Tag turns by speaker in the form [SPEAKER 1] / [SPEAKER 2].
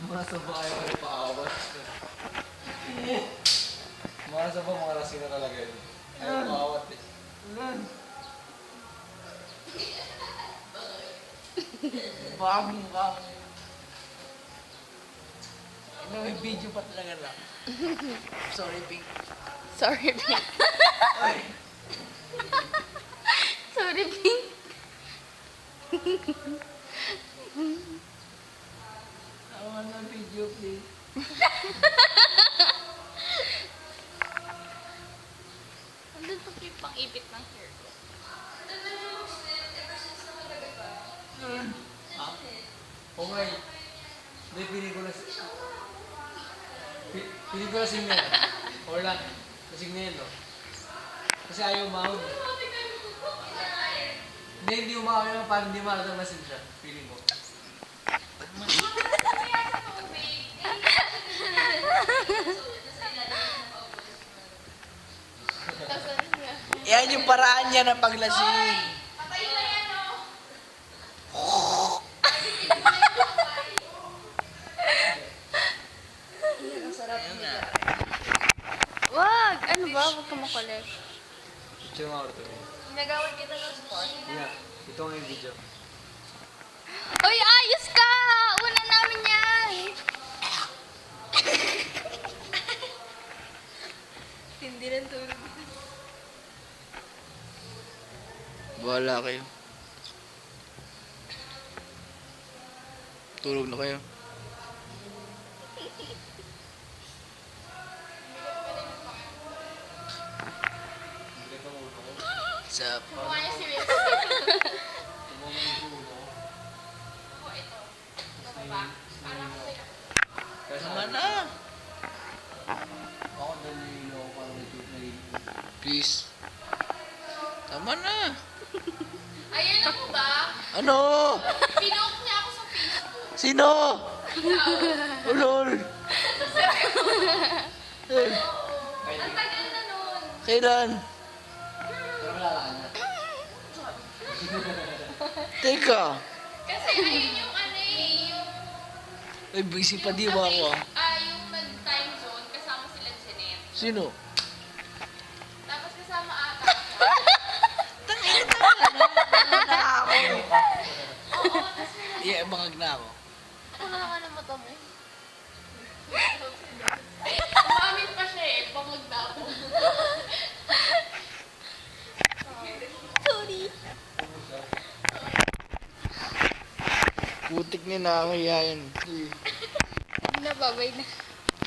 [SPEAKER 1] Masaba kayo pa rin paawat. Masaba mga lasing na talaga yun. Ayaw paawat eh.
[SPEAKER 2] Bagong. Ano, may video pa talaga lang. Sorry, Pink.
[SPEAKER 3] Sorry, Pink.
[SPEAKER 2] Ay.
[SPEAKER 3] Sorry, Pink.
[SPEAKER 2] Awan ng video, please.
[SPEAKER 3] Andun pa yung pang-ipit ng hair ko.
[SPEAKER 1] Ha? O ngay. Hindi, pili ko na si... Pili ko na si Mel. Or lang. Kasi Mel, no? Kasi ayaw umahon. Hindi umahon yung parang hindi malatang masin siya. Pili mo.
[SPEAKER 2] Yan yung paraan niya ng paglasing.
[SPEAKER 3] Wag! Ano ba? Huwag ka makulit.
[SPEAKER 1] Picture nga orto.
[SPEAKER 3] Nagawad kita ng spot.
[SPEAKER 1] Yeah. Ito nga yung video.
[SPEAKER 3] Uy, ayos ka! Una namin yan! Hindi rin tulog.
[SPEAKER 2] Bahala kayo. Tulog na kayo. Sup?
[SPEAKER 3] Kumaya si Will.
[SPEAKER 2] Tama na.
[SPEAKER 1] Ako nalililo ako parang nalililo.
[SPEAKER 2] Please. Tama na.
[SPEAKER 3] Ayan ako ba?
[SPEAKER 2] Ano?
[SPEAKER 3] Pinoke niya ako sa Facebook.
[SPEAKER 2] Sino? Ulol.
[SPEAKER 3] Ang tagal na nun.
[SPEAKER 2] Kailan?
[SPEAKER 1] Pero wala ka na.
[SPEAKER 2] Teka.
[SPEAKER 3] Kasi ayun yung ano eh, yung...
[SPEAKER 2] Ay, busy pa di ba ako?
[SPEAKER 3] Yung nag-time zone, kasama sila Jeanette.
[SPEAKER 2] Sino?
[SPEAKER 3] Tapos kasama ata.
[SPEAKER 2] Tangina na ako.
[SPEAKER 3] Oo, tapos may
[SPEAKER 2] Yeah, bangag na ako.
[SPEAKER 3] Ano na nga na mata mo? Umamin pa siya eh, pangag na ako. Sorry.
[SPEAKER 2] Putik ni nakakahiya yan.
[SPEAKER 3] Nababay na.